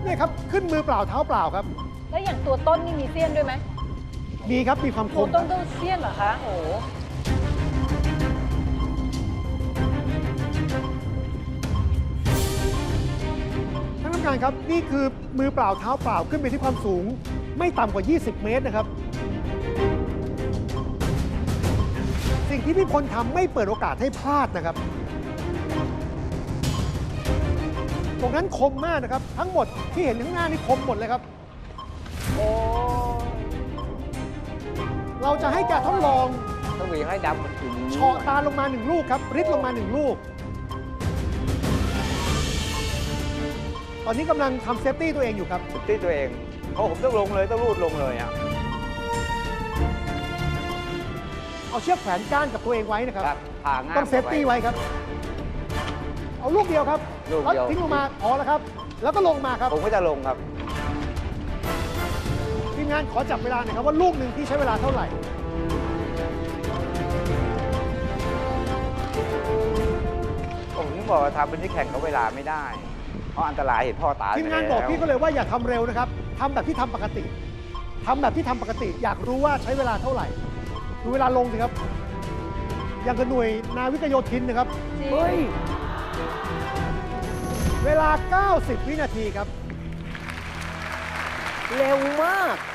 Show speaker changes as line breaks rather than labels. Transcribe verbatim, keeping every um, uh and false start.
นี่ครับขึ้นมือเปล่าเท้าเปล่าครับ
แล้วอย่างตัวต้นนี่มีเสี้ยนด้วยไหม
มีครับมีความค
ตัว
ม
ต้นต้องเสี้ยนเหรอคะโอ้โห
ท่านผู้การครับนี่คือมือเปล่าเท้าเปล่าขึ้นไปที่ความสูง ไม่ต่ำกว่า ยี่สิบ เมตรนะครับ สิ่งที่พี่พลทำไม่เปิดโอกาสให้พลาดนะครับ ตรงนั้นคมมากนะครับ ทั้งหมดที่เห็นข้างหน้านี่คมหมดเลยครับ
โอ้
เราจะให้แกทดลอง
ต้องมีให้ดำถึง
เฉาะตาลงมาหนึ่งลูกครับริดลงมาหนึ่งลูก ตอนนี้กำลังทำเซฟตี้ตัวเองอยู่ครับ
ที่ตัวเองเพราะผมต้องลงเลยต้องรูดลงเลยอ่ะ
เอาเชือกแขวนก้านกับตัวเองไว้นะครับ
ครับผ่าง่าย
ต้องเซฟตี้ไว้ครับ เอาลูกเดียวครับ
ลูก
แล้ว
เดียว
ทิ้งลงมาพอแล้วครับ แล้วก็ลงมาครับ
ผมก็จะลงครับ
ทีมงานขอจับเวลาหน่อยครับว่าลูกหนึ่งที่ใช้เวลาเท่าไหร่
ผมถึงบอกว่าทำเป็นที่แข่งกับเวลาไม่ได้ เพราะอันตรายเห็นพ่อตาย
ทีมงาน
ไป
บอก
แล้ว
พี่ก็เลยว่าอย่าทำเร็วนะครับทำแบบที่ทำปกติทำแบบที่ทำปกติ อยากรู้ว่าใช้เวลาเท่าไหร่ ดูเวลาลงสิครับ อย่างกับหน่วยนาวิกโยธินนะครับ
จริง
เฮ้ย เวลา เก้าสิบ วินาทีครับ
เร็วมาก